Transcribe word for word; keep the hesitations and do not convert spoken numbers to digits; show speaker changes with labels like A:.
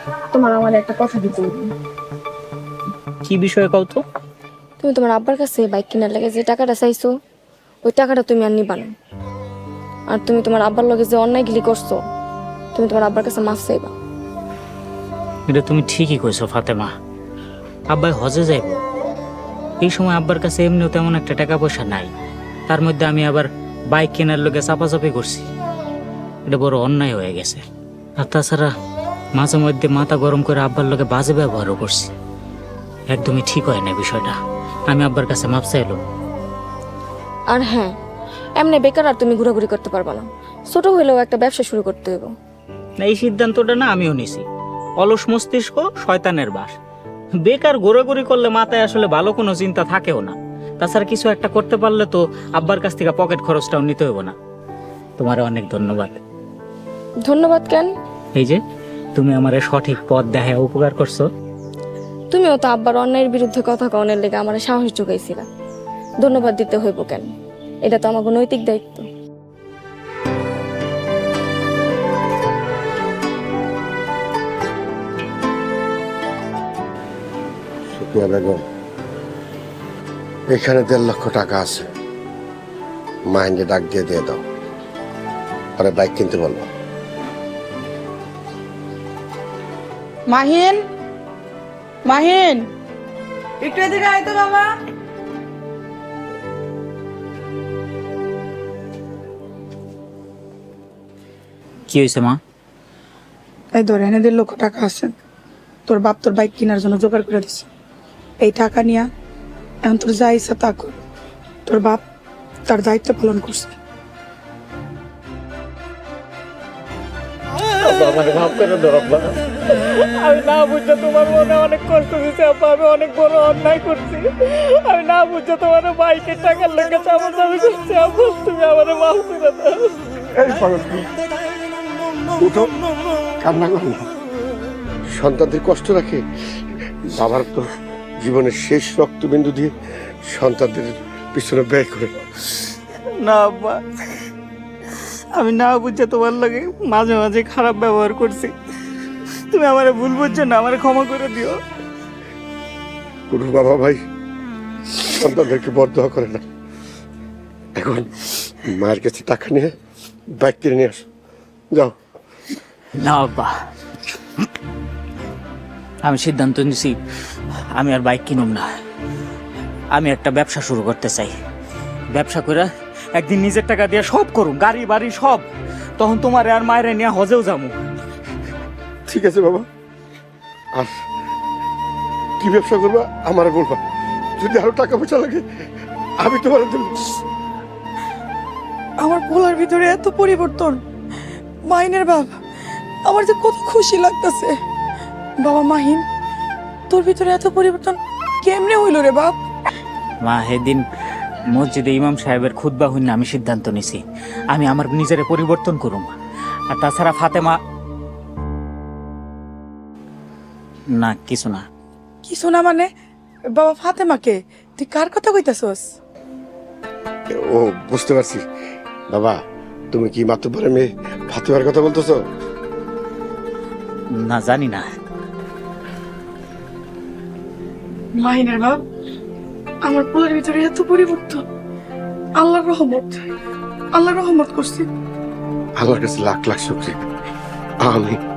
A: তোমার আমার একটা কথা দিতে হবে।
B: কি বিষয়ে কও তো?
A: তুমি তোমার আব্বার কাছে বাইক কেনার লাগে যে টাকাটা চাইছো, ওই টাকাটা তুমি আর নিবা না। আর তুমি তোমার আব্বার লগে যে অন্যায় গিলি করছো, তুমি তোমার আব্বার কাছে মাফ চাইবা।
B: এটা তুমি ঠিকই কইছো ফাতেমা। আব্বাই হজে যাইব, এই সময় আব্বার কাছে এমনিও তেমন একটা টাকা পয়সা নাই, তার মধ্যে আমি আবার বাইক কেনার লোকে চাপাচাপি করছি। এটা বড় অন্যায় হয়ে গেছে। আর তাছাড়া মাঝে মধ্যে মাথা গরম করে আব্বার লোকে বাজে ব্যবহারও করছি। একদমই ঠিক হয় না বিষয়টা। আমি আব্বার কাছে মাপ চাইলাম।
A: আর হ্যাঁ, এমনি বেকার আর তুমি ঘোরাঘুরি করতে পারবা না। ছোট হইলেও একটা ব্যবসা শুরু করতে হইব।
B: না, এই সিদ্ধান্তটা না আমিও নিছি। অলস মস্তিষ্ক শয়তানের বাস। বেকার ঘোরাঘুরি করলে মাথায় আসলে ভালো কোনো চিন্তা থাকেও না। তাছাড়া কিছু একটা করতে পারলে তো আব্বার কাছ থেকে পকেট খরচটাও নিতে হইব না। তোমার অনেক ধন্যবাদ।
A: ধন্যবাদ কেন?
B: এই যে তুমি আমার সঠিক পথ দেখায় উপকার করছো।
A: তুমিও তো আব্বার অন্যায়ের বিরুদ্ধে কথা কওনের লেগে আমার সাহস যোগাইছিলা। ধন্যবাদ দিতে হইব কেন? এটা তো আমাকে নৈতিক দায়িত্ব।
C: সুফিয়া বেগম, এখানে দেড় লক্ষ টাকা আছে, মাইন্ডে ডাক দিয়ে দিয়ে দাও, পরে বাইক কিনতে বলবো।
D: মাহিন, মাহিন, একটু এদিকে আয় তো বাবা।
B: কি হয়েছে মা?
D: এই ধর, এনে দেড় লক্ষ টাকা আছে, তোর বাপ তোর বাইক কেনার জন্য জোগাড় করে দিছে। এই টাকা নিয়া এখন তোর যা ইচ্ছা তা কর। তোর বাপ তার দায়িত্ব পালন করছে।
B: আমার মাফ করে দাও আব্বা। আমি না বুঝে তোমার মনে অনেক কষ্ট দিচ্ছি আব্বা। আমি অনেক বড় অন্যায় করছি। আমি না বুঝে তোমার বাইকের টাকার লেগে চাপাচাপি করছি আব্বা। তুমি আমার মাফ করে দাও।
C: এই পাগল, উঠো, কান্না করো না। সন্তানদের কষ্ট রাখে বাবার তো জীবনের শেষ রক্তবিন্দু দিয়ে সন্তানদের পিছনে ব্যয় করে।
B: না আব্বা, আমি না বুঝে তোমার লাগে মাঝে মাঝে খারাপ ব্যবহার করছি। তুমি আমারে ভুল বুঝছো না, আমারে ক্ষমা করে দিও।
C: কোনো বাবা ভাই সন্তানদেরকে বরদোয়া করে না। এখন মায়ের কাছে টাকা নিয়ে বাইক কিনে নিয়ে আসো, যাও।
B: না আব্বা, আমি সিদ্ধান্ত নিছি আমি আর বাইক কিনুম না। আমি একটা ব্যবসা শুরু করতে চাই। ব্যবসা করে একদিন নিজের টাকা দিয়ে সব করুম, গাড়ি বাড়ি সব। তখন তোমার আর মায়ের নিয়ে হজেও যাবো।
C: ঠিক আছে বাবা, আর কি ব্যবসা করবা আমার বলবা। যদি আরো টাকা পয়সা লাগে আমি তোমার দেবো।
D: আমার পোলার ভিতরে এত পরিবর্তন। মাহিনের বাপ, আমার যে কত খুশি লাগতেছে। বাবা মাহিন, তোর ভিতরে এত পরিবর্তন কেমনে হইল রে বাপ?
B: মা, সেদিন মসজিদে ইমাম সাহেবের খুতবা হইনা আমি সিদ্ধান্ত নিছি আমি আমার নিজের পরিবর্তন করুম। আর তাছাড়া ফাতেমা, না কিছু না।
D: কিছু না মানে? বাবা ফাতেমাকে তুই কার কথা কইতাছস?
C: ও বুঝতে পারছি। বাবা, তুমি কি মাতুব্বরের মেয়ে ফাতেমার কথা বলতেছো?
B: না, জানি না।
D: মাহিনের বাপ, আমার পোলার ভিতরে এত পরিবর্তন। আল্লাহর রহমত, আল্লাহর রহমত করছি।
C: আল্লাহর কাছে লাখ লাখ শুকরিয়া। আমিন।